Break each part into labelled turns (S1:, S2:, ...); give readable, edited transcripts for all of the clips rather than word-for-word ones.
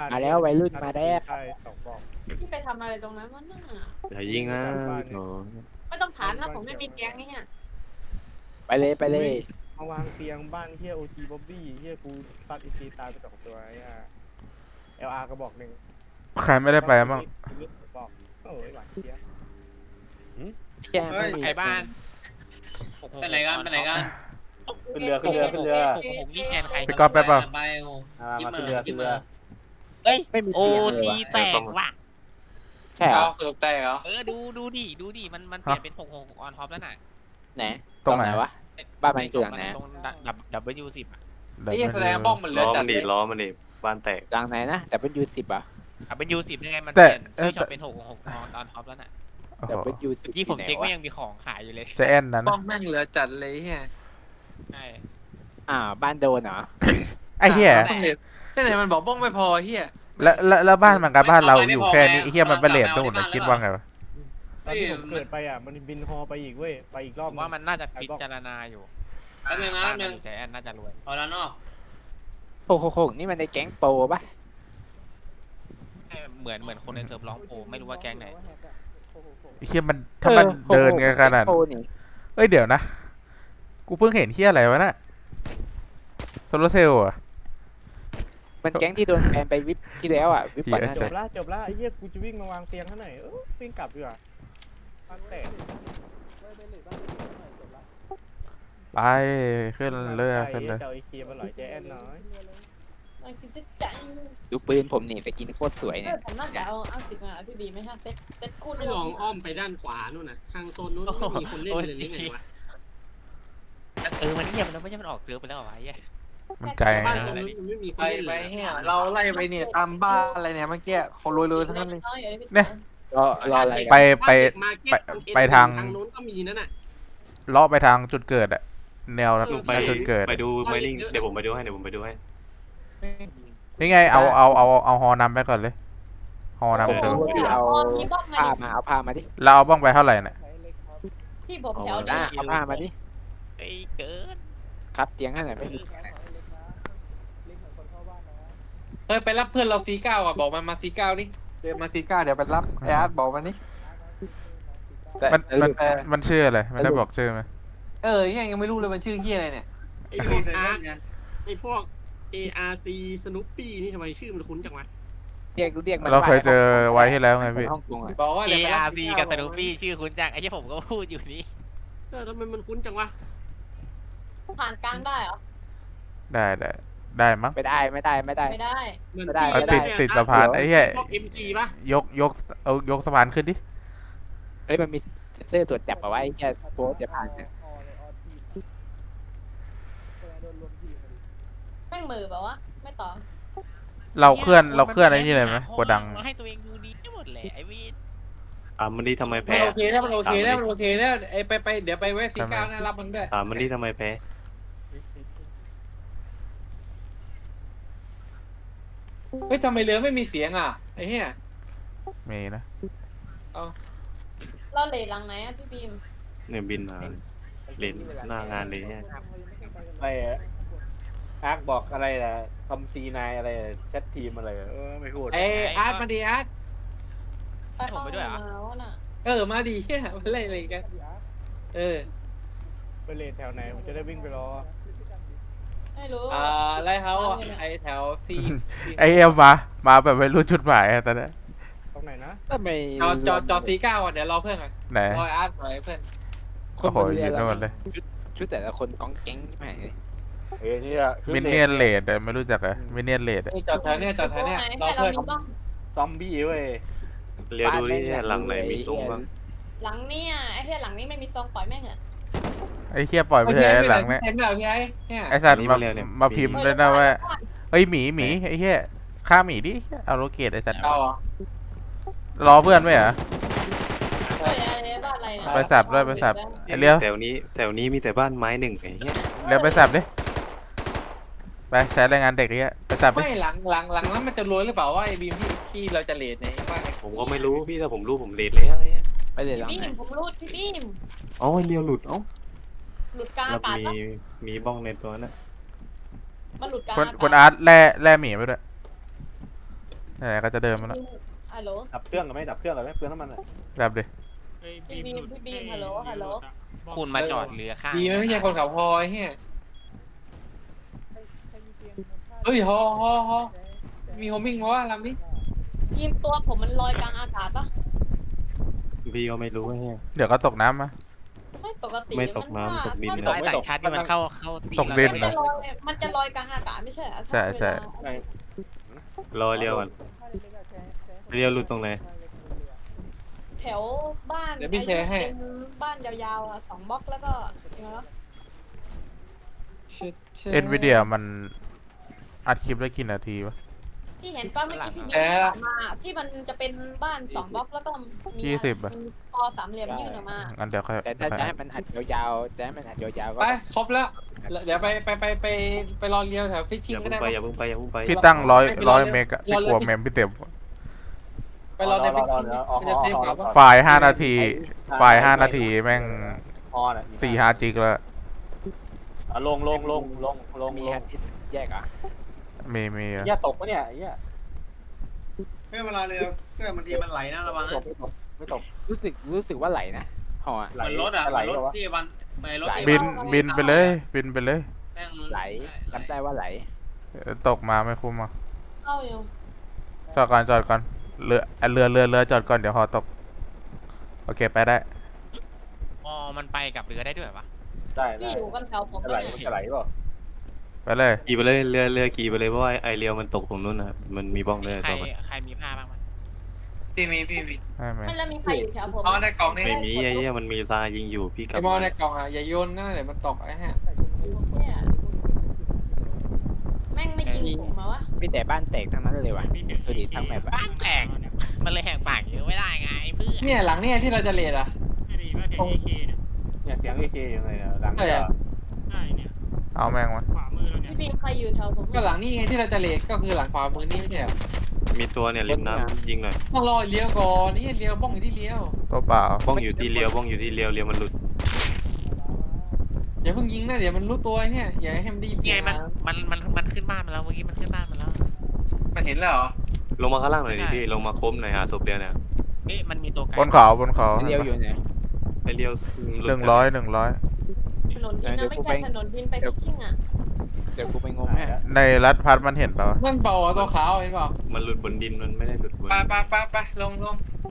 S1: มาแล้ววัยรุ่นมาแล้ว
S2: ใช่สองบอก
S3: พี่ไปทำอะไรตรงนั้นวะน่ะ
S4: อย่ายิงนะโถ
S3: ไม่ต้องถามนะผมไม่มีแก๊งนี่เนี่ย
S1: ไปเลยไปเลย
S2: มาวางเตียงบ้านเฮียโอจีบ๊อบบี้เฮียกูตัดอีซีตายไปสองตัวไอ้เLRก็บอกหนึ่ง
S5: ใครไม่ได้ไปมั่ง
S2: บอกโอ้ยหวานเจี๊ยบ
S1: แค่ไม่มี
S6: ไอ้บ้าน
S7: ไปไหนกันไปไหนกัน
S2: ขึ้นเรือขึ้นเรือขึ้นเรือ
S6: ผมนี่แทนใคร
S5: พี่ก๊อฟไปเปล่า
S7: ไป
S2: มาขึ้นเรือขึ้นเรือ
S6: เอ้ย
S1: ไม่มี
S6: โอ้
S1: เตียงเลย
S6: ที
S1: ว่ะ
S6: แตกว่ะ
S1: ใช่เหรอ
S7: สรุปแตกเหรอ
S6: ดูดิมันเปลี่ยนเป็น6 6ออนท็อปแล้วน่ะ
S1: ไหน
S5: ตรงไหน
S1: วะบ้านมันคือหลังไหน
S6: ตรงW10อ่ะ
S5: เดี๋ยว
S7: ไอ้แสดงบ้องมันเหลื
S4: ล้
S7: อ
S4: อ
S7: จั
S4: มั
S7: ด
S4: นดิล้อมันดิบ้านแตก
S1: หลังไหนนะแต่เป็นU10อ่ะ
S6: W10 ยังไงมันเปลี่ยนที่ชอบเป็น6 6ออนท็อปแล้วน่ะ
S5: โอ้
S1: แต่
S5: โห
S1: เป็นU10
S6: ที่ผมเช็คว่ายังมีของขายอยู่เลย
S5: จะแอนนั้น
S7: บ้องแม่งเหลือจัดเลยเฮีย
S6: ใช่
S1: บ้านโดนเหรอ
S5: ไอ้เหี้ย
S7: ที่ไหนมันบอกบ้องไม่พอเฮีย
S5: แล้วบ้านมันกับบ้านเราอยู่แค่นี้ไอ้เหี้ยมันเป็นเลทไปหมดเลยคิดว่าไงวะ
S2: ตอนที่ผมเกิดไปมันบินฮอไปอีกเว้ยไปอีกร
S6: ผ
S2: อบ
S6: มว่ามันน่าจะพิจารณาอยู่
S7: แป๊บนึงนะ
S6: บ้า
S7: แป๊บนึง
S6: ใจแอนน่าจะรวย
S7: เอาแล้วเนาะ
S1: โคกนี่มันในแก๊งโปรปะ
S6: เหมือนคนในเซิร์ฟร้องโปไม่รู้ว่าแก๊งไหน
S5: ไอ้เหี้ยมันถ้ามันเดินไงขนาด
S1: โปรนี่
S5: เอ้ยเดี๋ยวนะกูเพิ่งเห็นเหี้ยอะไรวะน่ะโซลาร์เซลล์อะ
S1: มันแก๊งที่โดนแบนไปวิปที่แล้วอ่ะวิปก่อนหน้า
S2: จ
S1: นี้
S2: บละไอ้เหี้ยกูจะวิ่งมาวางเตียงข้างไหนวิ่งกลับดีกว่าบ้านแตก
S5: ไปขึ้นเรือขึ้นเลย
S2: เจ้าไอเคียมาหลอยใจแอนน้อย
S3: มันคือจะใจ
S1: ดูปืนผมนี่สกินโคตรสวยเนี่ย
S3: ผมน่าจะเอาติดมาพี่บีไม่ใช่เซ็ตคู่
S8: ไม่ลองอ้อมไปด้านขวานู่นน่ะ ทางโซนนู้นไม่มีคนเล่นเลยหรือไงวะ
S6: มันเงียบมันไม่ใช่มันออกเซิร์ฟไปแล้วเหรอวะไอ้เหี้ย
S5: มันไกล
S8: บ้าน
S5: นะ
S8: โซนนู้นมันไม่มีคน
S7: ไป
S8: เล่น
S7: ไป
S8: เลย
S7: เฮียเราไล่ไปเนี่ยตามบ้านอะไรเนี่ยเมื่อกี้เขารวยๆทั้งนั้นเลย
S1: รออะไรกัน
S5: ไป
S8: มาเก็ต
S5: ไปทาง
S8: ทางนู้นก็มีนั่นน่ะ
S5: เลาะไปทางจุดเกิดอะแนว
S4: ไป
S5: จุดเกิด
S4: ไปดูไมนิ่งเดี๋ยวผมไปดูให้
S5: นี่ไงเอาฮอนำไปก่อนเลยฮอนำ
S1: ผม
S5: เดี๋ยว
S1: รู้ว่าพี่เอา
S3: มีบ้องไง
S1: ผ้ามาดิ
S5: เราเอาบ้องไปเท่าไหร่เนี่ย
S3: พี่ผมแถว
S1: หน้า
S3: นี้
S1: เอาผ้ามาดิ
S6: ไอ้เกิน
S1: ครับเตียงให้หน่อยไม่มี
S7: เฮ้ยไปรับเพื่อนเราC9อ่ะบอกมันมาC9ดิเดินมาC9เดี๋ยวไปรับไอ้อาร์ตบอกมันนี่
S1: แต่
S5: มันชื่ออะไรไม่ได้บอกชื่อไหม
S7: ยังไม่รู้เลยมันชื่อเฮียอะไรเนี่ย
S8: ไอ้พวกอาร์ตไอ้พวก ARC Snoopy นี่ทำไมชื่อมันคุ้นจังวะ
S1: เรียกมัน
S5: เราเคยเจอไว้ที่แล้วไงพี่
S1: ฮ่องกงอ่ะ
S7: บอกว่า
S6: เอ
S7: เดี๋ยวไปรับ
S6: อาร์ซีกับสนุปี้ชื่อคุณจังไอ้ที่ผมก็พูดอยู่นี่
S8: ทำไมมันคุ้นจังวะ
S3: ผ่านกลางได้เหรอ
S5: ได้มั้ง
S1: ไม่ได้ไม่ได้
S3: ไม่ได้
S8: มัน
S1: ไม่ได้
S5: เอาติดสะพานไอ้เหี้ย
S8: พวก MC ป่ะ
S5: ยกสะพานขึ้นดิ
S1: เฮ้ยมันมีเซ็นเซอร์ตรวจจับเอาไว้แค่โปรจะผ่านเนี่ย
S3: แม่งมือแบบว่าไม่ต่อ
S5: เราเคลื่อนไอ้นี่เลยไหมโกดัง
S6: ให้ตัวเองดูดีหมดเลยไอ้วี
S4: ถามมันดิทำไม
S7: มัน
S4: แพ้
S7: โอเคแล้วมันโอเคแล้วมันโอเคแล้วไอ้ไปเดี๋ยวไปแวะC9นะรับมันด้วย
S4: ถามมันดิทำไมแพ้
S7: เฮ้ยทำไมเรือไม่มีเสียงอ่ะไอ้เหี้ย
S5: มีนะ
S3: เราเลทหลังไหนอ่ะพี่บีม
S4: เนี่ยบินมาเล่นหน้างานเลยเนี่ย
S2: ไปอาร์คบอกอะไรล่ะทำC9อะไรแชททีมอะไรไม่พูด
S7: ไอ้อาร์ตมาดีอาร์ต
S3: ไปเข้ามาแล้วน่ะ
S7: มาดีเหี้ยมาเล่นอะไรกัน
S2: ไปเลทแถวไหนผมจะได้วิ่งไปรอ
S3: ไม่รู้
S7: ไลท์เฮาส์ไอ้แถวซี
S5: ไอเอ็มมาแบบไม่รู้จุดหมายอะตอนนี้
S2: ตรงไหนนะ
S1: ทำไม
S7: จอC9อ่ะเดี๋ยวรอเพื่อนก่อน
S5: ไหน
S7: รออาร์ตรอเพื่อน
S1: คน
S5: โอ้โห
S1: บนเรือ
S5: ยืน
S1: เรา
S5: โน่นเลย
S1: ชุดแต่ละคนก้องแก๊งใช่ไหม
S2: นี่อะ
S5: มินเนียนเลดไม่รู้จักอะมินเนียนเลด
S7: นี่จอดแถวเนี้ยรอ
S3: ให้เรา
S7: เพื่อน
S3: มีบ้อง
S2: ซอมบี้เว้ย
S4: เรียกดูดิเนี่ยหลังไหนมีซุ้มบ้าง
S3: หลังเนี่ยไอ้ที่หลังนี้ไม่มีซองต่อยแม่งเหรอ
S5: ไอ้เคียปล่อยไปเลยหลังเนี่ย
S7: เต็มแล้วพี่ไอ้เนี่ย
S5: ไอสัตว์มาพิมพ์ด้วยนะว่าเฮ้ยหมีไอ้เหี้ยฆ่าหมีดิเอาโลเกตไอสัตว์
S7: เอา
S5: รอเพื่อนไหมเหรอ
S3: เฮ้ยอะไรบ้านอะไรเนี่ย
S5: ไปสับด้วยไปสับ ไอ้เลี้ยว
S4: แถวนี้มีแต่บ้านไม้หนึ่งไอ้เงี้ย
S5: เลี้ยวไปสับดิไปใช้แรงงานเด็กเนี้ยไปสับดิ
S7: ไม่หลังนั้นมันจะรวยหรือเปล่าว่าไอ้บีมที่เราจะเลทเนี่ยว่าไง
S4: ผมก็ไม่รู้พี่ถ้าผมรู้ผมเลดแล้วไอ้เงี้ย
S1: ไปเลยหลัง
S3: พี่
S1: ไหน
S3: บีมผมรูดพี่บีม
S4: อ๋อเลี้ยวหลุดเอ้า
S3: หลุดกลาง
S4: แล้
S3: อาว กาศ
S4: มีบ้องในตัวน่ะ
S3: มันหลุดกลาง
S5: คนอาร์ตแล่หมีไปด้วยไหนๆก็จะเดินมาแล้ว
S3: ฮัลโหล
S2: ดับเครื่องกันไหมดับเครื่องกันไหมเปลืองน้ำมันอ่ะ
S5: แบบดิ
S3: พี่บีมฮัลโหลฮัลโหล
S6: คุณมาจอดเรือข้าง
S7: ดีไหมไม่ใช่คนขับฮอไอ้เหี้ยเฮ้ยฮอมีโฮมิ่งมาว่าลำนี้
S3: บีมตัวผมมันลอยกลางอากาศปะ
S4: พี่ก็ไม่รู้ไอ้เหี้ย
S5: เดี๋ยวก็ตกน้ำมา
S3: ไม่ปกติ
S4: ไม่ตกน้ำตกดิน
S6: ตัวไอ้ต่างชาติที่มันเข้าตี
S5: ตกดิน
S3: มันจะลอยกลางอากาศไม่ใช่เหรอ
S5: ใช่ใช่
S4: รอเรียวก่อนเรียวหลุดตรงไหน
S3: แถวบ้าน
S7: เดี๋ยวพี่แชร์ให้
S3: เป็นบ้านยาวๆอ่ะ2 บล็อกแล้วก็ยังไงวะ
S5: เอ็นวีเดียมันอัดคลิปได้กี่นาทีวะ
S3: พี่เห็นป้าเมื่อกี้พี่บีมมาที่มันจะเป็นบ้าน2 บล็อกแล้วก็มี
S5: 20อะ
S3: มีคอสามเหลี่ยมยื่นออกมา
S5: งั้นเดี๋ยวค่อย
S1: แต่ถ้าจะให้มันอัดยาวๆจะให้มันอัดยาวๆก็
S7: ไปครบแล้วเดี๋ยวไปรอเรียวแถวฟิช
S4: อ
S7: ชิ่ง
S4: ย่า
S7: ก็
S4: เพิ่ง
S7: ได้
S4: ไปอย่าเพิ่งไปอย่าเพิ่งไป
S5: พี่ตั้งร้อยเมกอะพี่กลัวเมมพี่เต็ม
S7: ไปรอในฟิชชิ่งมันจะเซฟกว่า
S5: ไฟล์5 นาที ไฟล์5 นาทีแม่ง
S2: ฮอน่ะ
S5: 4-5 จิกแล้ว
S2: ลง
S1: มีฮันที่แยกอ่ะ
S5: มี
S2: เหี้ยตกปะเนี่ยเหี้ย
S9: เวลาเรือเครื่องบางทีมันไหลนะระวังนะ
S2: ไม่ตก
S1: รู้สึกว่าไหลนะหอ
S9: เหมือนรถอ่ะ
S2: ไหล
S9: รถ
S2: วะ
S9: ที่วันไปรถที่
S5: บินไปเลยบินไปเลย
S9: แม่ง
S1: ไหลจำได้ว่าไหล
S5: ตกมาไม่คุ้มอ่ะ
S3: เข้าอยู่
S5: จอดก่อนเรือจอดก่อนเดี๋ยวฮอตกโอเคไปได้
S6: อ๋อมันไปกับเรือได้ด้วยวะ
S2: ได้
S3: พี่อยู่กันแถวผม
S2: จะไหล
S3: ปะเนี่ย
S2: จะไหลเปล่า
S5: ไปเลย
S4: ขี่ไปเลยเรือขี่ไปเลยเพราะว่าไอเรียวมันตกตรงนู้นนะครับมันมีบ้องเลย
S6: ใคร
S4: ตัวมัน
S6: ใครมีผ้าบ้างมั้ย
S7: พี่มี
S5: ไม่
S3: ไม่แล้วมีใครอยู่แถวผม
S7: เอาในกล่องนี่
S4: ไม่มีไอ้เหี้ยมันมีทรายยิงอยู่พี่กลั
S7: ไอ้
S4: บ
S7: มอ
S4: มา
S7: ในกล่องอ่ะอย่าโยนนะเดี๋ยวมันตกไอ้ฮะ
S3: เนี่ยแม่งไม่ยิงผมมาวะ
S1: มีแต่บ้านแตกทั้งนั้นเลยว่ะดูดิทั้งแบบ
S6: บ้านแตกมันเลยแหกปากเยอะไม่ได้ไงเพื่อน
S7: เนี่ยหลังเนี่ยที่เราจะเลดอ่ะ
S2: เนี่ยเสียงเอเคยังไงเนี่ยหลัง
S7: ใช่อะ
S5: เอาแม่งวะ
S3: พี่บีมใครอยู่แถวผม
S7: ก็หลังนี่ไงที่เราจะเลดก็คือหลังขวามือนี่ไม่ใช่เหรอ
S4: มีตัวเนี่ยริมน้ำยิงหน่อย
S7: ต้องรอเลี้ยวก่อนนี่เลี้ยวบ้องอยู่ที่เลี้ยว
S5: ตัวเปล่า
S4: บ้องอยู่ที่เรียวบ้องอยู่ที่เรียวเรียวมันหลุด
S7: อย่าเพิ่งยิงนะเดี๋ยวมันรู้ตัวไอ้เนี่ยอย่าให้มันได้ยิน
S6: นี่
S7: เสี
S6: ไง
S7: ยง
S6: มันขึ้นบ้านมาแล้วเมื่อกี้มันขึ้นบ้านมาแล้ว
S7: มันเห็นแล้วเหรอ
S4: ลงมาข้างล่างหน่อยดิพี่ลงมาคมหน่อยหาศพเรียวเนี่ย
S6: เอ๊ะมันมีตัวไกล
S5: บนเขา
S1: เดียวอยู่ไหน
S4: ไอเรียวหลุด
S5: 100
S3: ถนนดินนะไม่ใช่ถนนดินไปฟิชชิ่งอ่ะ
S1: เดี๋ยวกูไปงมให้
S5: ในรัฐพัดมันเห็นเปล่าวะ
S7: มันเบาอ่ะตัวขาวเห็นเปล่า
S4: มันหลุดบนดินมันไม่ได้หลุดบน
S7: ไปลง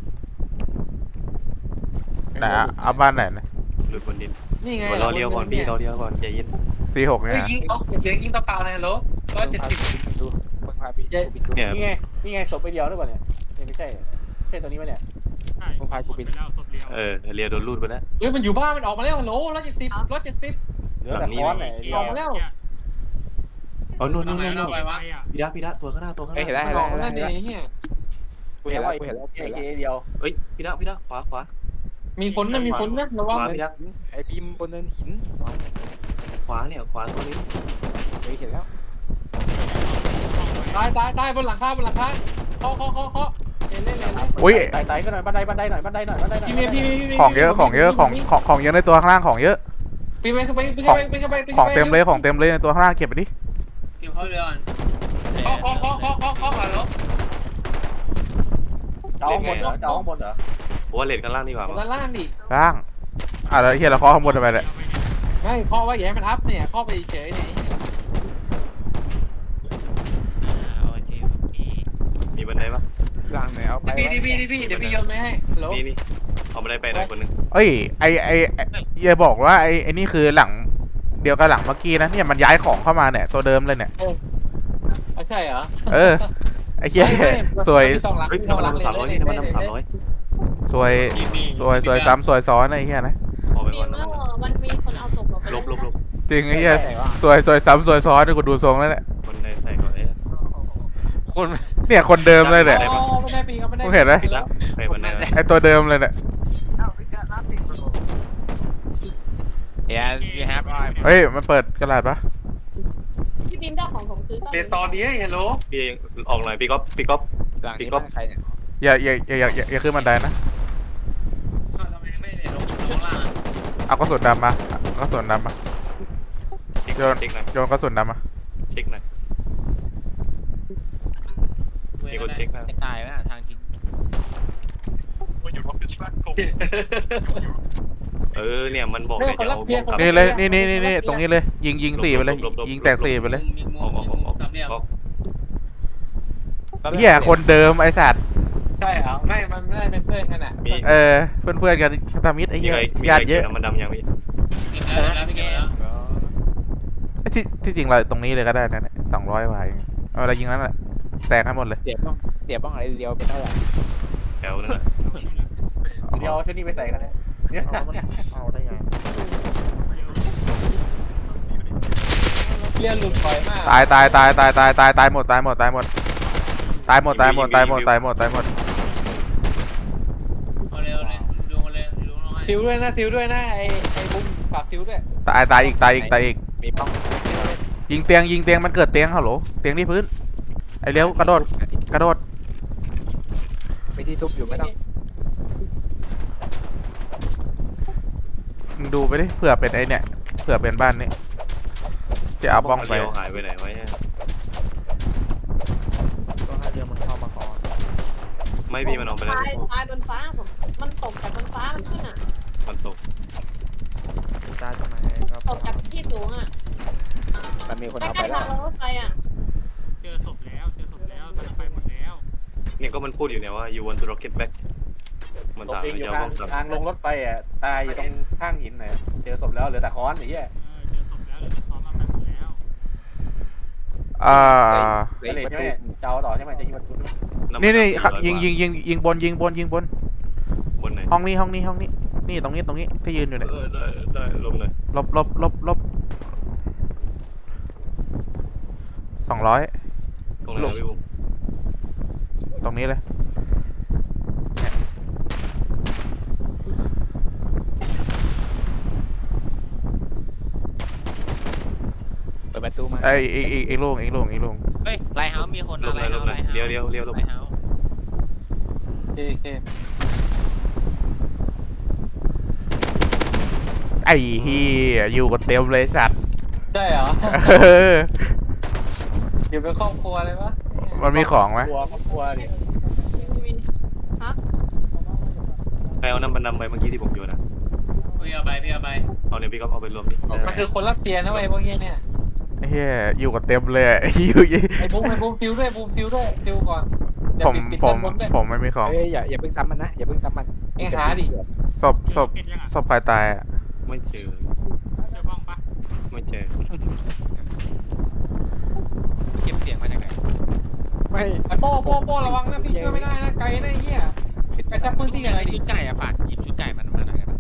S5: ไหนอะเอาบ้านไหนนะ
S4: หลุดบนดิน
S7: นี่ไง
S4: รอเรียวก่อนพี่รอเรียวก่อนใจเย็น
S5: 46
S7: เฮ้
S5: เนี่ย ย
S7: ยิงเอาเสียงยิงตัวเปล่าเลยฮัลโหล170
S1: ดูคนพาพี่บินดู
S4: เนี่ย
S2: นี่ไงศพไปเดียวหรือเปล่าเนี่ยไม่ใช่ตัวนี้ไหมเนี่ย
S1: คนพากูบิน
S4: เรียวโดนรูดไปแล้ว
S7: เฮ้ยมันอยู่บ้านมันออกมาแล้วฮัลโหล170
S2: เหลือแต่ค้อนไหนเดีย
S7: อ
S2: ว
S7: อกมาแล้ว
S4: อ๋อนู่น
S9: ตรงไหนเราไปวะ
S4: พี่ดะตัวข้างหน้าตัวข้างห
S1: เฮ้ยเห็น
S4: น้า
S1: แล้ว
S7: มันออกมาแล้ว
S1: เห็น
S7: เนี่ย
S1: แล้ว
S7: ไอ้เหี้ย
S1: กูเห็นแล้วกูเห็นแล้ว
S2: เอเคเดียว
S4: เฮ้ยพี่ดะขวา
S7: มีคนนะระ
S4: ข
S7: วัง
S4: วาพี่ดะ
S1: ไอ้บีมบนเนินหิน
S4: ขวาเนี่ยขวาตัวนี้
S1: เฮ้ยเห็นแล้ว
S7: ตายบนหลังคาเคาะเล่น
S5: อุ้ย
S2: ไต่ก็หน่อยบันไดหน่อย
S7: พี่เมย์
S5: ของเยอะของเยอะในตัวข้างล่างของเยอะ
S7: ปีไป
S5: ของเต็มเลยในตัวข้างล่างเก็บไปดิ
S9: เก็บเข้าเรือก่อน
S7: เคาะฮัลโหล
S2: เจ้าข้างบนเหรอ
S4: ผมว่าเลนกันล่างดีกว่ามั้ง
S7: ด้านล่างดิ
S5: ล่างแล้วเฮียเราเคาะข้างบนทำไมเนี่ย
S7: ไม่เคาะไว้อย่าให้มันอัพเนี่ยเคาะไปเฉยเนี่ย
S6: โอเค
S4: มีบันไดปะ
S1: ล่างไหนเอาไป
S7: พี่เดี๋ยวพี่โยนไม่ให้ฮัลโหล
S4: นี่เอาบันไดไปหน่อยคนนึง
S5: เอ้ยอย่าบอกว่าไอ้นี่คือหลังเดียวกับหลังเมื่อกี้นะเนี่ยมันย้ายของเข้ามาเนี่ยตัวเดิมเลยเนี่ย
S7: ใช่เหรอ
S5: ไอ้เหี้ยสวย
S4: เฮ้ยน้ำมัน300นี่น้ำมัน300
S5: สวยซ้ำสวยซ้อนไอ้เหี้ยนะ
S4: ออกไป
S3: บี
S4: ก่อน
S3: มแล้วมันมีคนเอาศพเราไป
S4: ลบ
S5: จริงไอ้เหี้ยสวยซ้ำสวยซ้อนนี่กูดูทรงแล้วเนี่ย
S4: คนใดใส่ก่อนเอ๊ะ
S6: คุณ
S5: เนี่ยคนเดิมเลยเนี่ย
S7: ไม่ได้ปีครับไม่ได้
S5: มึงเห็นไหม
S4: พี่ละไปบันได
S5: ไอ้ตัวเดิมเลยเนี่ย
S6: เดี๋ยวพี่แฮป
S5: เฮ้ยมันเปิดกระดาษปะ
S3: พี่บีมได้ของผมคืนป่ะ
S7: เป็นตอนนี้ฮัลโหล
S4: พี่ออกหน่อยพี่ก๊อฟ
S1: หลังนี้บ้านใครเนี่ย
S5: อย่าขึ้นบันไดนะ
S9: ทำไมไม่ได้ลงล่าง
S5: เอากระสุนดำมาโยนกระสุนดำมา
S4: เช็คหน่อย
S7: เ
S4: มีคนเช็คนะ
S6: จะตายไหมทางทิ้ง
S4: เนี่ยมันบอก
S7: เรื่
S4: เล
S7: อย งคน
S4: จะ
S7: รัก
S4: เอา
S7: เพีย
S4: บ
S7: ง
S4: อมกลับ
S5: นี่เลยนี่ตรงนี้เลยยิงสี่ไปเลยยิงแตกสี่ไปเลย
S8: มีมุมมีมุมสามเหลี่ยม
S5: เหี้ยคนเดิมไอ้สัตว์
S7: ใช่เหรอไม่มันไม่ได้เป็นเพื่อนกันอ่ะ
S4: มี
S5: เพื่อนกันพันธมิตรไอ้
S4: มี
S5: เหี้ย
S4: ใครมี
S5: ญา
S4: ใคร
S5: ติเย
S4: เย
S5: อะ
S4: อะมันดำยังพี่
S8: เก็บแล้วพี่เก็บแล้ว
S5: ที่จริงเราตรงนี้เลยก็ได้นะเนี่ย200 กว่าเองเอาอะไรยิงนั้นแหละแตกให้หมดเลย
S1: เสียบ้องอะไรเดียวเป็นเท่าไหร่
S4: แถวนั้น
S2: เดี๋ยวเอาชุดนี้ไปใส่กันเลยเนี่ย
S9: เอาได้ไง
S7: เรียนหลุดบ่อยมาก
S5: ตายหมดตายหมด
S8: เอาเร็วเลยดูมาเลยดูน้องให้
S7: ซิวด้วยนะซิวด้วยนะไอ้บุ้มฝากซิวด้วย
S5: ตายอีก
S1: มีบ้อง
S5: ยิงเตียงมันเกิดเตียงฮัลโหลเตียงที่พื้นไอ้เลี้ยวกระโดด
S1: ไม่ที่ทุบอยู่ไม่ต้อง
S5: มึงดูไปดิเผื่อเป็นไอ้เนี่ยเผื่อเป็นบ้านนี้จะเอาบ้องไป
S4: เลี้ยวหายไปไหนวะเนี่ย
S9: ก็ให้เรือมันเข้ามาก่อน
S4: ไม่พี่มันเอาไปแล้ว
S3: ตายบนฟ้าผมมันตกจากบนฟ้ามันขึ้นอ่ะ
S4: มันตก
S9: ตายตรงไหนครับ
S3: ตกจากที่สูงอ่ะ
S1: มันมีคน
S3: ใก
S1: เอาไป
S3: ล้ๆ
S1: แล้
S3: ทาว งลงรถไฟอ่ะ
S8: เจอศพแล้วมันไปหมดแล้ว
S4: เนี่ยก็มันพูดอยู่เนี่ยว่า you want to rocket back มัน
S2: ตก
S4: ถาม
S2: เอง
S4: ว่า
S2: อยู่
S4: จะเอา
S2: ทาง
S4: บ้องกลับ
S2: ทางลงรถไฟอ่ะตายอยู่ตรงข้างหินหน่อยเจอศพแล้วเหลือแต่ค้อนไอ้เหี้ย
S8: เจอศพแล้วเดี๋ยวจะซ้อมมาไปหมดแล้ว
S2: ไม่เลยใช่ไหมจะเอาต่อใช่ไหมจะยิงประตู
S5: นี่
S4: 400
S5: ยิงบน
S4: บนไหน
S5: ห้องนี้นี่ตรงนี้ที่ยืนอยู่เนี่ย
S4: ได้ลงหน่อย
S5: ลบ200
S4: ตรงไหนพี่บุ้ม
S5: ตรงนี้เลย
S1: เปิดประตูมา
S5: ไอ้โล่ง
S6: เฮ้ยไลท์เฮาส์มีคน
S4: ลงเลยลงเลยเลี้ยวลง
S6: ไลท์เฮาส์
S7: โอเค
S5: ไอ้เฮียอยู่กันเต็มเลยสัตว์
S7: ใช่เหรออยู่เป็นครอบครัวเลยวะ
S5: มันมีของไหม
S2: กลัวดิ
S3: ไม่มีฮะ
S4: ใครเอาน้ำมันดำไปเมื่อกี้ที่ผมโยนนะ
S8: พี่เอาไป
S4: เอาเนี่ยพี่ก็เอาไปรวมดิ
S7: มันคือคนรัสเซียนะเว้ยพวกนี้เนี่ย
S5: ไอ้เฮียอยู่กันเต็มเลยอยู่
S7: ไอ้บุ้มซิวด้วยซิวก่อนเดี๋ยว
S5: ผม
S7: ปิด
S5: ผ
S7: ด้าม นบนด้วย
S5: ผมไม่มีของ
S1: เอ้ยอย่าเพิ่งซ้ำมันนะอย่าเพิ่งซ้ำมัน
S7: เอ็งหาดิ
S5: ศพใครตายอ่ะ
S4: ไม่เจอ
S8: เจอบ้องปะ
S4: ไม่เจอ
S6: เก็บเสียงมาจากไหน
S1: ไม่
S7: ไอ้โป้ระวังนะพี่ช่วยไม่ได้นะไกลนะไอ้เหี้ยไปซับพื้นที่กันหน่อยดิ
S6: ชุดไก่อะฝากหยิบชุดไก่มันมาหน่อยกัน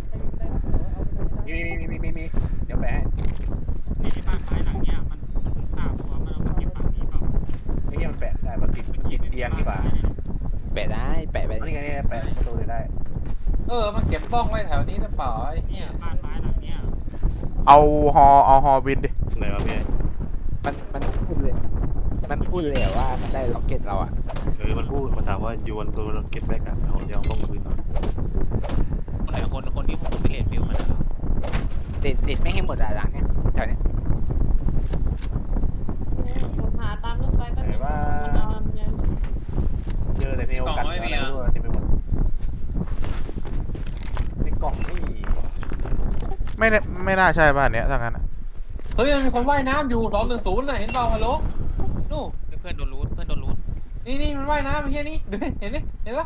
S2: มีเดี๋ยวแปะ
S8: นี่ที่บ้านไม้หลังเนี้ยมันเพิ่งทราบว่ามันเอามาเก็บฝั่งนี้เปล่า
S2: ไอ้เหี้ยมันแปะได้มันติดเตียงนี่ป่ะ
S1: แปะได้แปะไป
S2: นี่ไงนี่แปะประตูได้
S7: มันเก็บบ้องไว้แถวนี้หรือเปล่าไอ้เหี้ย
S8: บ้านไม้หลังเนี้ย
S5: เอาฮอบินดิ
S4: ไหนวะพี่
S1: มันพูดเลยว่ามันได้ล็อกเก็ตเราอ่ะ
S4: มันพูดมันถามว่า you want to rocket back อ่ะเอาเดี๋ยวบ้องคืน
S6: คนไหนคนที่ผมไปเรียนฟิลมัน
S1: ติดไม่ให้หมดอ่ะหลังเนี้ยแถวเนี้ย
S3: ผมหาตามรถไฟแป๊บนึง
S2: เจอแต่เนโอกันอะไรไม่รู้เต็มไปหมดในกล่องนี่
S5: ไม่น่าใช่บ้านเนี้ยถ้างั้น
S7: เฮ้ยมันมีคนว่ายน้ำอยู่210น่ะเห็นเปล่าฮัลโหลนู่
S6: เพื่อนโดนรูท
S7: นี่มันว่ายน้ำไอ้เหี้ยนี่ดูเห็นปะ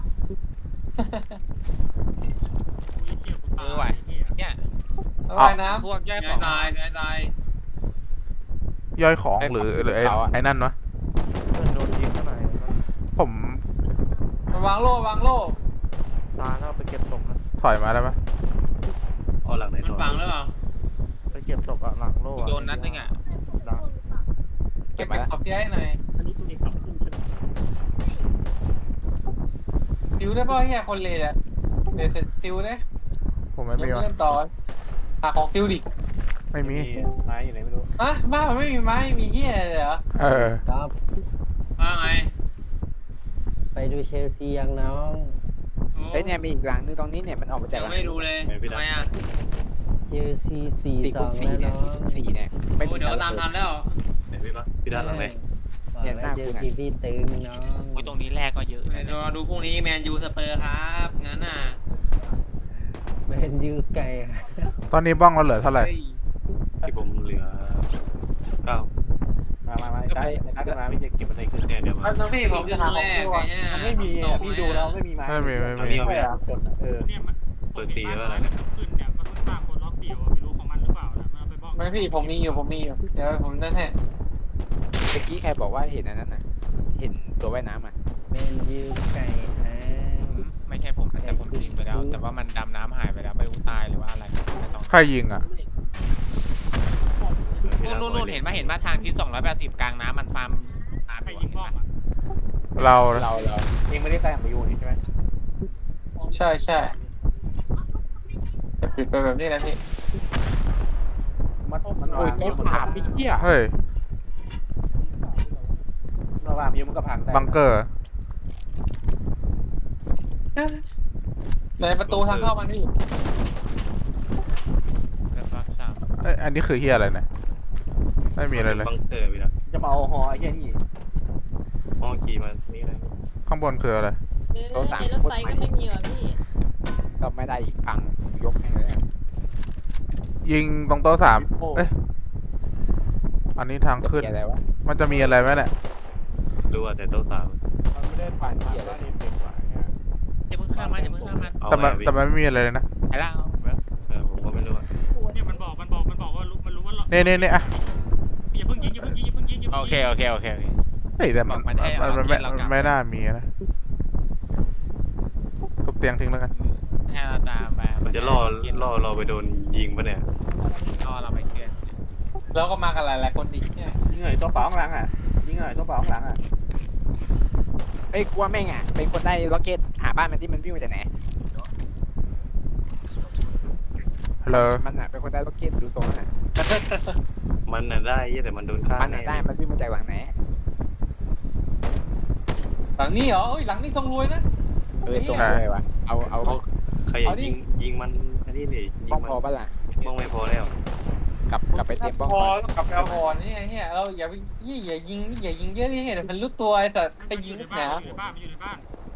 S8: อุ้ยเที่ยวกูตายเที่ย
S6: เนี่ย
S7: มันว่ายน้
S6: พวกย่อยของ
S8: ตาย
S5: ย่อยของหรือไอ้นั่นวะ
S9: เพื่อนโดนยิงเท่าไหร่
S5: ผม
S7: ำมันวางโล่
S9: ตายแล้วไปเก็บศพนะ
S5: ถอยมาได้ปะ
S4: เอาหลังไหน
S8: มัน
S4: ต่อ
S8: ฝังหรือเปล่า
S9: ไปเก็บศพอะหลังโล่อะ
S6: โดนนัดนึงอ่ะ
S9: ดัง
S7: เก็บศพย้ายหน่อย
S8: อันนี้ตัวนี้กลับขึ้นใช่ไหม
S7: ซิวได้ป่ะเหี้ยคนเลยอะเดี๋ยวเสร็จซิวได้
S5: ผมไม่มีวะ
S7: เริ่มต่อหาของซิวดิ
S5: ไม่มี
S2: ไม้อยู่ไหนไม่รู้
S7: บ้านมันไม่มีไม้มีเหี้ยเลยเหรอ
S10: ครับ
S8: ว่าไง
S10: ไปดูเชลซียังน้อง
S1: เฮ้ยเนี่ยมีอีกหลังนึงตรงนี้เนี่ยมันออกมาจาก
S8: ยังไม่ดูเลยทำไมอ่ะ
S10: เชลซี4-2
S1: 4
S10: แล้ว
S1: เนี่ย
S10: น้อง
S1: 4เนี่ยไม่
S8: โอ้เดี๋ยวตามทันแล้ว
S4: ไหนพี่ปะพี่ด้านหลังไหน
S10: ขวา
S1: เนี่ยหน้า
S10: เจ
S1: กู
S10: อ
S1: น่ะ
S10: ทีพี่ตึงน้อง
S6: โอ้ยตรงนี้แรกก็เยอะ
S7: เดี๋ยวรอดูพรุ่งนี้แมนยูสเปอร์ครับงั้นน่ะ
S10: แมนยูไก่
S5: ตอนนี้บ้องเราเหลือเท่าไหร่
S4: ที่ผมเหลือ9
S2: มาได้นัดกันมาพี่จะเก็บมันในคืน
S4: เนี่ยเดี๋ยวมา
S7: น้องพี่ผมจะทำแรกไงเนี่ย
S2: มันไม่มีอ่ะพี่ดูแล้วไม่มีไม้
S5: ไม่มี
S2: ไม่ได้คนอ่ะ
S8: เนี่ยมัน
S4: เปิด4แล้วนะ
S8: ขึ้นเนี่ยมันเพิ่งสร้างคนล็อกเดียวไม่รู้ของมันหรือเปล่านะมันไปบอก
S7: ไม่พี่ผมมีอยู่เดี๋ยวผมนั่นแหละ
S1: เมื่อกี้ใครบอกว่าเห็นอันนั้นนะเห็นตัวว่ายน้ำอ่ะ
S10: แมนยูไก่แท้
S6: ไม่ใช่ผมแต่ผมยิงไปแล้ว แต่ว่ามันดำน้ำหายไปแล้วไม่รู้ตายหรือว่าอะไรไม่ต้อง
S5: ใครยิงอ่ะ
S6: นู่นเห็นไหมทางที่280กลางน้ำมันฟาร์มตาม
S8: ใคร
S6: อยู่
S8: ยิงบ้องอ่ะ
S5: เรา
S2: เองไม่ได้ใส่ของยูนี่ใช่ไหม
S7: ใช่จะปิดไปแบบนี้นะพี่
S2: มัน
S1: โอ้ย
S2: วาง
S1: โต๊ะถามพี่เชี่ย
S5: เฮ้ย
S2: มันวางยูมันก็พังได้
S5: บังเกอร์
S7: ในประตูทางเข้ามันพี่
S6: แล้วก็สาม
S5: เอ้ยอันนี้คือเฮียอะไรเนี่ยไม่มีอะไรเลย
S4: บังเกอร์พี่ละ
S2: จะมาเอาฮอไอ้เหี้ยนี่
S4: มองขี่มานี่เลย
S5: ข้างบนคืออะไร
S3: ในรถไฟก็ไม่มีว่ะพี่
S1: ก็ไม่ได้อีกพังยกให้เลยอะ
S5: ยิงตรงโต๊ะสาม
S2: โป้
S5: เอ้ยอันนี้ทาง
S1: จะ
S5: ขึ้น
S1: มีอะไรวะ
S5: มันจะมีอะไรไหมเนี่ย
S4: รู้ว่าแต่โต๊ะ3
S2: มันไม่ได้ผ่านบ้านนี้เป็นกว่าเนี่ย
S6: อย่าเพิ่งข้ามมัน
S4: เอา
S5: แต่
S4: ไว้
S5: มันแต่มันไม่มีอะไรเลยนะ
S6: ไอ้ล่าง
S4: ผมก็ไม่รู้อะ
S8: เนี่ยมันบอกว่ารู้มันรู้ว่า
S5: นี่อ่ะ
S8: อย่าเพิ่งยิงอย่าเพิ่งยิงอย่าเพิ่งยิง
S6: โอเค
S5: เฮ้ยแต่มัน
S6: บอกมันให้เอา
S5: มัน
S6: ที่เรากลับ
S5: ไม่น่ามีนะทุบเตียงทิ้งแล้วกัน
S6: ให้เราตามไป
S4: มันจะล่อเราไปโดนยิงปะเนี่ย
S6: ล่อเราไปเกลื่อน
S7: แล้วก็มากันหลายคนดิเนี่ย
S2: ยิงหน่อยตัวเปล่าข้างหลังอ่ะยิงหน่อยตัวเปล่าข้างหลังอ่ะ
S1: เอ้ยกลัวแม่งอ่ะเป็นคนได้ล็อกเก็ตหาบ้านมันที่มันวิ่งมาจากไหน
S5: ฮัลโหล
S1: มันอ่ะเป็นคนได้ล็อกเก็ตดูตรงนั้นอ่ะ
S4: มันน่ะได้เหี้ยแต่มันโดนฆ่า
S1: มันอ่ะได้มันวิ่งมาจากหลังไหน
S7: หลังนี้เหรอเอ้ยหลังนี้ทรงรวยนะ
S1: ตรงเลยวะเอา
S4: เอาใครอยากยิงมันอันนี้นี่ยิ
S1: บ้อง ง
S4: มัน
S1: พอปะล่ะ
S4: บ้องไม่พอแล้ว
S1: กลับไปเตรียมบ้อง
S7: พอ
S1: ก่อน
S7: กับแอลกอฮอล์นี่ไงเฮียเราอย่าไปอย่ายิงเยอะนี่เดี๋ยวมันรู้ตัวไอ้สัตว์ไปยิง
S8: อยู่ใน
S7: ห
S8: บ้าน
S7: นา
S8: อยู่ในบ้านอยู่ในบ้าน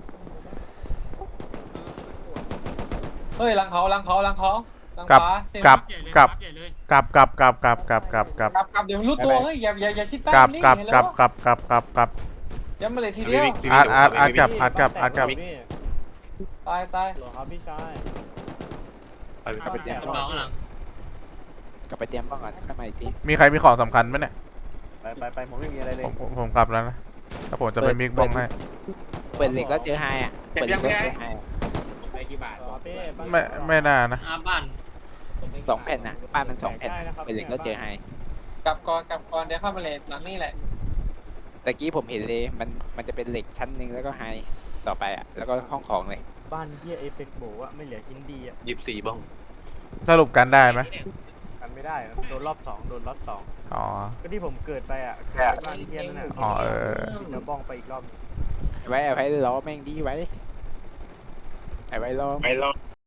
S7: เฮ้ยหลังเขาหลัง
S5: กลับ
S7: ฟ้าเซม
S5: กลับ
S8: ใหญ่เลย
S5: กลับ
S8: ใหญ่เลย
S5: กลับกลับกลับกลับกลับกลับกลับ
S7: กลับเดี๋ยวมันรู้ตัวเฮ้ยอย่าชิดใต้
S5: กลับ
S7: นี่
S5: กลับ
S7: เห็น
S5: กลั
S7: แล้
S5: บ
S7: ว
S5: กลับกลับกลับกลับ
S7: ย้ำมาเลยทีเดียว
S5: อาร์ตกลับอาร์ตกลับ
S7: ตาย
S2: หรอครับพี่ชาย
S4: ไปไป
S1: กลับไปเตรียมบ้อง
S8: ข้างหลัง
S1: กลับไปเตรียมบ้องก่อนค่อยมาอีกที
S5: มีใครมีของสำคัญไหมเนี่ย
S2: ไปผมไม่มีอะไรเลย
S5: ผมกลับแล้วนะแต่ผมจะไปมิกบ้องให้
S1: เปิดเหล็กแล้วเจอไฮอ่ะเปิดเหล็กแล้วเจอไฮ
S2: ไปกี่บาทเป้
S5: ไม่น่านะ
S7: บ้าน
S1: 2 แผ่นน่ะบ้านมัน2 แผ่นเปิดเหล็กแล้วเจอไฮ
S7: กลับก่อนเดี๋ยวเข้ามาเลยหลังนี่แหละ
S1: ตะกี้ผมเห็นเลยมันจะเป็นเหล็กชั้นหนึ่งแล้วก็ไฮต่อไปอ่ะแล้วก็ห้องของเลย
S2: บ้านเฮียเอฟเฟกโบอ่ะไม่เหลืออินดี้อ่ะ
S4: 24บ้อง
S5: สรุปกันได้ไหม
S2: กันไม่ได้โดนรอบ2โดนรอบ2
S5: อ๋อ
S2: ก็ที่ผมเกิดไปอ่ะเกิดบ้านเฮียนั่นน่ะ
S5: อ๋อเออ
S2: เดี๋ยวบ้องไปอีกรอบ
S1: ไว้ล้อแม่งดีไว้ไว้ล้อ